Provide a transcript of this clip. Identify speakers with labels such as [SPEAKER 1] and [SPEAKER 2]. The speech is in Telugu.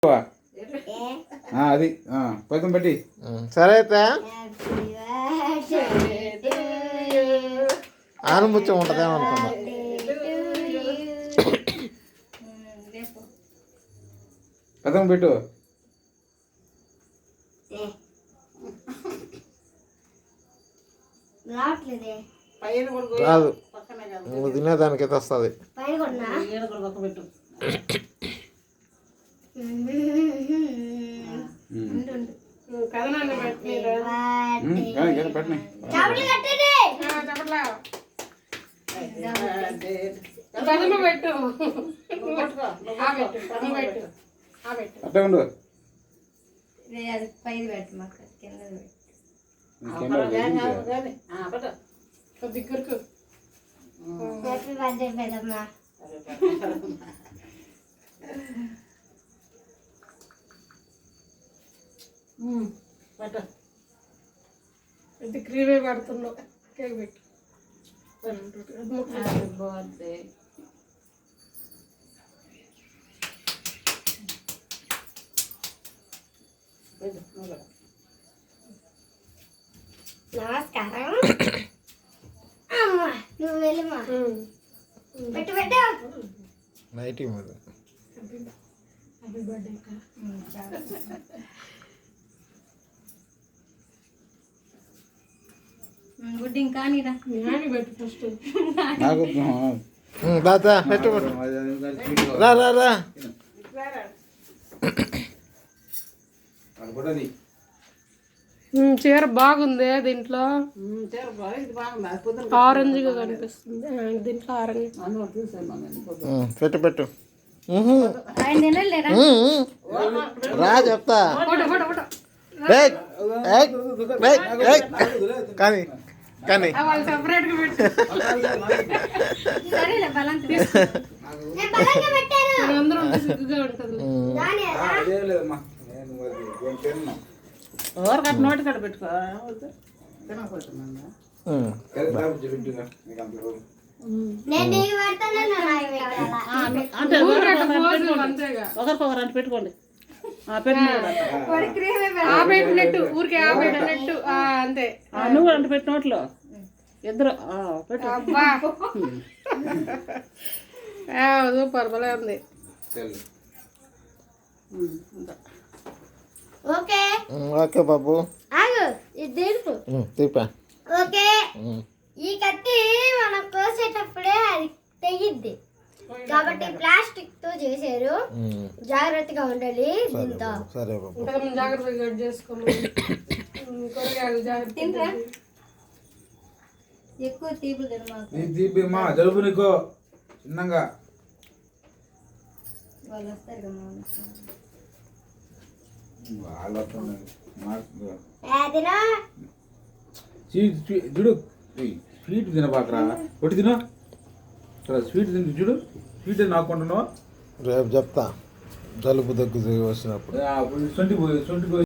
[SPEAKER 1] అది పైతం పెట్టి
[SPEAKER 2] సరే అయితే ఆనుముత్యం ఉంటుందేమో అనుకున్నా.
[SPEAKER 1] పైతం పెట్టు.
[SPEAKER 2] రాదు, నువ్వు తినేదానికైతే వస్తుంది.
[SPEAKER 1] అట్లా ఉండు.
[SPEAKER 3] దగ్గరకు ఇది క్రీమే పడుతున్నావు. కేక్ పెట్టు.
[SPEAKER 4] నమస్కారం. నువ్వు వెళ్ళమా పెట్టు పెట్టు.
[SPEAKER 2] నైటీ మీద
[SPEAKER 3] హ్యాపీ బర్త్డే అక్క.
[SPEAKER 4] గుడ్ ఇంకా నీరా
[SPEAKER 3] నాని పెట్టు ఫస్ట్.
[SPEAKER 1] నాకు
[SPEAKER 2] దాదా పెట్టు. రా రా రా.
[SPEAKER 3] చీర బాగుంది. దీంట్లో ఆరెంజ్గా కనిపిస్తుంది. దీంట్లో ఆరెంజ్
[SPEAKER 2] పెట్టు పెట్టు. రా చెప్తా. కానీ కానీ
[SPEAKER 3] సెపరేట్గా పెట్టు. అందరూ సిగ్గుగా ఉంటుంది.
[SPEAKER 5] నోటి కాడ పెట్టుకో. ఒకరికొకరు అంటే పెట్టుకోండి.
[SPEAKER 3] పెట్టినట్టు ఊరికే పెట్టినట్టు అంతే.
[SPEAKER 5] నువ్వు అంటే పెట్టి నోట్లో ఇద్దరు పెట్టు.
[SPEAKER 3] సూపర్ భలే ఉంది.
[SPEAKER 4] ఓకే
[SPEAKER 2] ఓకే బాబు. తీపా.
[SPEAKER 4] ఓకే. ఈ కత్తి మనం కోసేటప్పుడే అది తెగిద్ది కాబట్టి ప్లాస్టిక్ తో చేశారు. జాగ్రత్తగా ఉండాలి.
[SPEAKER 2] సరే బాబు.
[SPEAKER 3] జాగ్రత్తగా కట్ చేసుకోమని. కూరగాయలు జాగ్రత్త.
[SPEAKER 4] ఎక్కువ తీపి
[SPEAKER 1] తీపిమ్మా జలుబు నీకు చిన్నగా.
[SPEAKER 4] వాళ్ళు వస్తారు కదా
[SPEAKER 1] చూడు. స్వీట్ తినబాకరా, ఒకటి తిను. స్వీట్ తింటు చూడు. స్వీట్ నాకుంటున్నావు.
[SPEAKER 2] రేపు చెప్తా జలుబు దగ్గు వచ్చినప్పుడు.
[SPEAKER 1] సొంటి పోయి